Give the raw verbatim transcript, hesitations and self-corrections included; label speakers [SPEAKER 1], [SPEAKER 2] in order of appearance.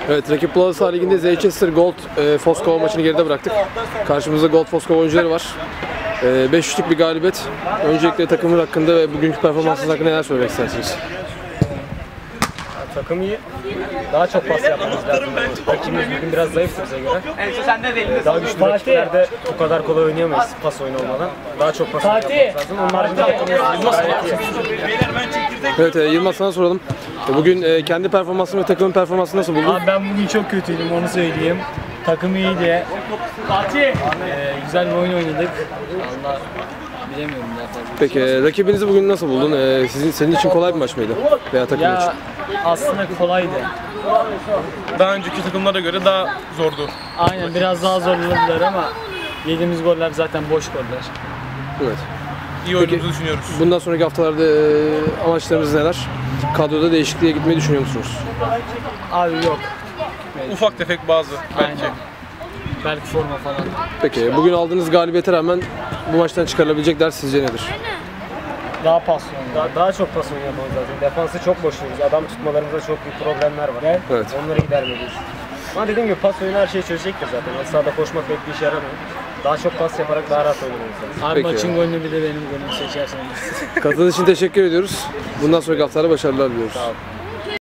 [SPEAKER 1] Evet, rakip Galatasaray Ligi'nde Zeychester Gold e, Foskova maçını geride bıraktık. Karşımızda Gold Foskova oyuncuları var. E, beş üçlük bir galibiyet. Öncelikle takımın hakkında ve bugünkü performansınız hakkında neler söylemek istersiniz?
[SPEAKER 2] Takım iyi. Daha çok pas yapmamız lazım. Rakibimiz bugün biraz zayıftı bize göre. Ee, daha güçlü rakiplerde bu kadar kolay oynayamayız pas oyunu olmadan. Daha çok pas yapmamız lazım. Onun haricinde takımımız gayet iyi.
[SPEAKER 1] Evet, e, Yılmaz sana soralım. E, bugün e, kendi performansını ve takımın performansını nasıl buldun?
[SPEAKER 3] Abi ben bugün çok kötüydüm, onu söyleyeyim. Takım iyiydi. Ee, güzel bir oyun oynadık. Allah bilemiyorum daha fazla.
[SPEAKER 1] Peki e, rakibinizi bugün nasıl buldun? E, sizin senin için kolay bir maç mıydı? Veya takım için?
[SPEAKER 3] Ya aslında kolaydı.
[SPEAKER 4] Daha önceki takımlara göre daha zordu.
[SPEAKER 3] Aynen biraz daha zorladılar ama yediğimiz goller zaten boş goller.
[SPEAKER 1] Evet.
[SPEAKER 4] İyi oyunumuzu düşünüyoruz.
[SPEAKER 1] Bundan sonraki haftalarda e, amaçlarınız neler? Kadroda değişikliğe gitmeyi düşünüyor musunuz?
[SPEAKER 3] Abi yok.
[SPEAKER 4] Ufak tefek bazı belki.
[SPEAKER 3] Aynen. Belki forma falan.
[SPEAKER 1] Peki bugün aldığınız galibiyete rağmen bu maçtan çıkarılabilecek ders sizce nedir?
[SPEAKER 3] Daha paslı
[SPEAKER 2] Daha, daha çok pas oyunu yapmamız lazım. Defansı çok boşluyoruz. Adam tutmalarımızda çok büyük problemler var.
[SPEAKER 1] Evet.
[SPEAKER 2] Onları gidermeliyiz. Ama dediğim gibi pas oyunu her şeyi çözecektir zaten. Yani sahada koşmak pek bir işe yaramıyor. Daha çok pas yaparak daha rahat oynamamız lazım.
[SPEAKER 3] Abi
[SPEAKER 1] Peki.
[SPEAKER 3] maçın golünü bir de benim golümü seçerseniz.
[SPEAKER 1] Katıldığınız için teşekkür ediyoruz. Bundan sonraki haftalarda başarılar diliyoruz.
[SPEAKER 2] Sağ olun.